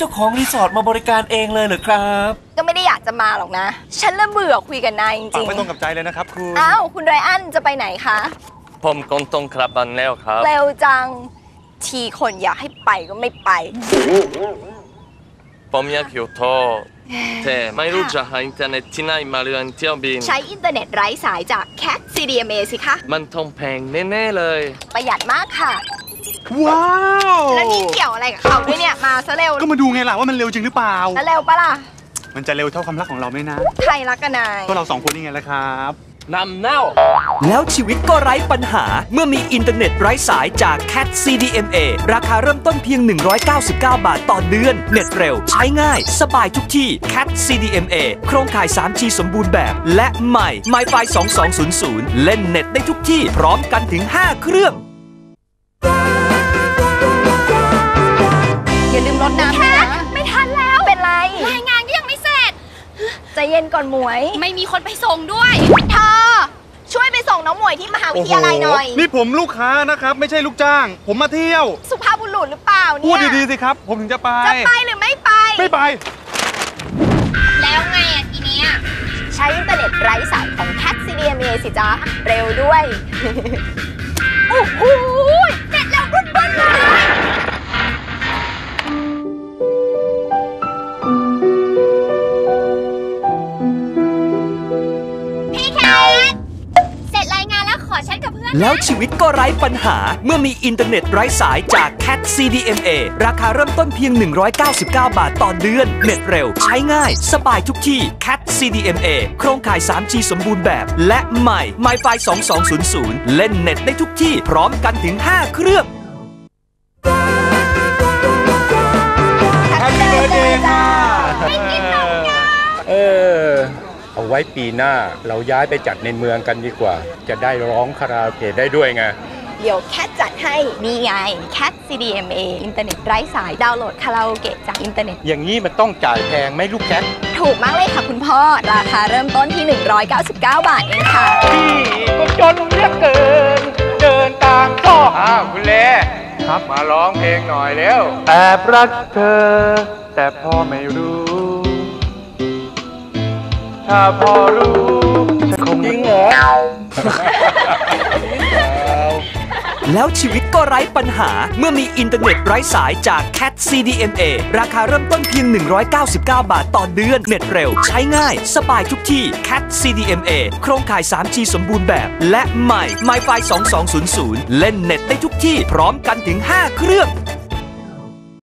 จ้าของรีสอร์ทมาบริการเองเลยเหรอครับก็ไม่ได้อยากจะมาหรอกนะฉันเริ่มเบื่อคุยกับนายจริงๆไม่ตรงกับใจเลยนะครับคุณอ้าวคุณไรอันจะไปไหนคะผมกงตรงครับบันแล้วครับเร็วจังทีคนอยากให้ไปก็ไม่ไปผมอยากอยู่โทรแต่ไม่รู้จะหาอินเทอร์เน็ตที่ไหนมาเรียนเที่ยวบินใช้อินเทอร์เน็ตไร้สายจาก Cat CDMA สิคะมันต้องแพงแน่ๆเลยประหยัดมากค่ะว้าวแล้วนี่เกี่ยวอะไรกับเขาด้วยเนี่ยมาซะเร็วก็มาดูไงล่ะว่ามันเร็วจริงหรือเปล่าแล้วเร็วปะล่ะมันจะเร็วเท่าความรักของเราไหมนะใครรักกันนายก็เรา2คนนี่ไงล่ะครับนำเน่าแล้วชีวิตก็ไร้ปัญหาเมื่อมีอินเทอร์เน็ตไร้สายจาก Cat CDMA ราคาเริ่มต้นเพียง199 บาทต่อเดือนเน็ตเร็วใช้ง่ายสบายทุกที่ Cat CDMA โครงข่าย 3G สมบูรณ์แบบและใหม่ MiFi 2200 เล่นเน็ตได้ทุกที่พร้อมกันถึง5เครื่องอย่าลืมรดน้ำนะไม่ทันแล้วเป็นไรรายงานก็ยังไม่เสร็จใจเย็นก่อนหมวยไม่มีคนไปส่งด้วยเธอช่วยไปส่งน้องหมวยที่มหาวิทยาลัยหน่อยนี่ผมลูกค้านะครับไม่ใช่ลูกจ้างผมมาเที่ยวสุภาพบุรุษหรือเปล่าเนี่ยพูดดีๆสิครับผมถึงจะไปหรือไม่ไปไม่ไปแล้วไงทีนี้ใช้อินเทอร์เน็ตไร้สายของ Cat CDMA สิจ๊ะเร็วด้วยโอ้โหเน็ตแล้วรุ่นๆเลยแล้วชีวิตก็ไร้ปัญหาเมื่อมีอินเทอร์เน็ตไร้สายจาก Cat CDMA ราคาเริ่มต้นเพียง199 บาทต่อเดือนเน็ตเร็วใช้ง่ายสบายทุกที่ Cat CDMA โครงข่าย 3G สมบูรณ์แบบและใหม่ MiFi 2200 เล่นเน็ตได้ทุกที่พร้อมกันถึง5เครื่อง Happy Birthday ค่ะไม่กินนมไงเอาไว้ปีหน้าเราย้ายไปจัดในเมืองกันดีกว่าจะได้ร้องคาราโอเกะได้ด้วยไงเดี๋ยวแคทจัดให้นี่ไง Cat CDMA อินเทอร์เน็ตไร้สายดาวน์โหลดคาราโอเกะจากอินเทอร์เน็ตอย่างนี้มันต้องจ่ายแพงไหมลูกแคทถูกมากเลยค่ะคุณพ่อราคาเริ่มต้นที่199 บาทเองค่ะพี่ก็จนเหลือเกินเดินตามพ่อคุณเล่ครับมาร้องเพลงหน่อยเร็วแอบรักเธอแต่พ่อไม่รู้ถ้าพอรู้จะคงจริงเหรอแล้วชีวิตก็ไร้ปัญหาเมื่อมีอินเทอร์เน็ตไร้สายจาก Cat CDMA ราคาเริ่มต้นเพียง199 บาทต่อเดือนเน็ตเร็วใช้ง่ายสบายทุกที่ Cat CDMA โครงข่าย 3G สมบูรณ์แบบและใหม่ MiFi 2200 เล่นเน็ตได้ทุกที่พร้อมกันถึง5เครื่อง